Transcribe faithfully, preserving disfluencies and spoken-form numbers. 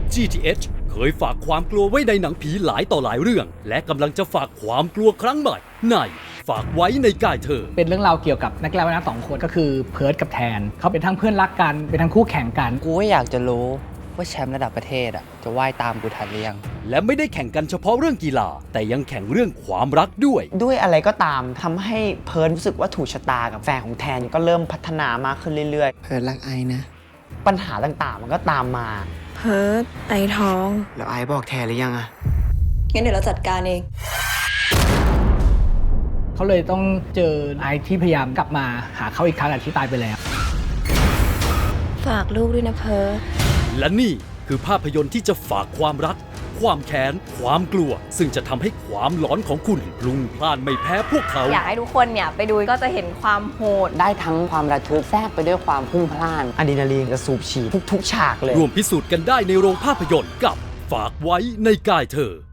จี ที เอช เคยฝากความกลัวไว้ในหนังผีหลายต่อหลายเรื่อง และกำลังจะฝากความกลัวครั้งใหม่ในฝากไว้ในกายเธอเป็นเรื่องราวเกี่ยวกับนักกีฬาว่ายน้ำสองคนก็คือเพิร์ทกับแทนเขาเป็นทั้งเพื่อนรักกันเป็นทั้งคู่แข่งกันกูก็อยากจะรู้ว่าแชมป์ระดับประเทศอ่ะจะว่ายตามกูทันหรือยังและไม่ได้แข่งกันเฉพาะเรื่องกีฬาแต่ยังแข่งเรื่องความรักด้วยด้วยอะไรก็ตามทำให้เพิร์ทรู้สึกว่าถูกชะตากับแฟนของแทนก็เริ่มพัฒนามากขึ้นเรื่อยๆเพิร์ทรักไอนะปัญหาต่างๆมันก็ตามมาเพิร์ทไอท้องแล้วไอบอกแทนหรือยังอะงั้นเดี๋ยวเราจัดการเองเขาเลยต้องเจอไอที่พยายามกลับมาหาเขาอีกครั้งที่ตายไปแล้วฝากลูกด้วยนะเพิร์ทและนี่คือภาพยนตร์ที่จะฝากความรักความแค้นความกลัวซึ่งจะทำให้ความหลอนของคุณพลุ่งพล่านไม่แพ้พวกเขาอยากให้ทุกคนเนี่ยไปดูก็จะเห็นความโหดได้ทั้งความระทึกแทรกไปด้วยความพุ่งพล่านอะดรีนาลีนจะสูบฉีดทุกๆฉากเลยรวมพิสูจน์กันได้ในโรงภาพยนตร์กับฝากไว้ในกายเธอ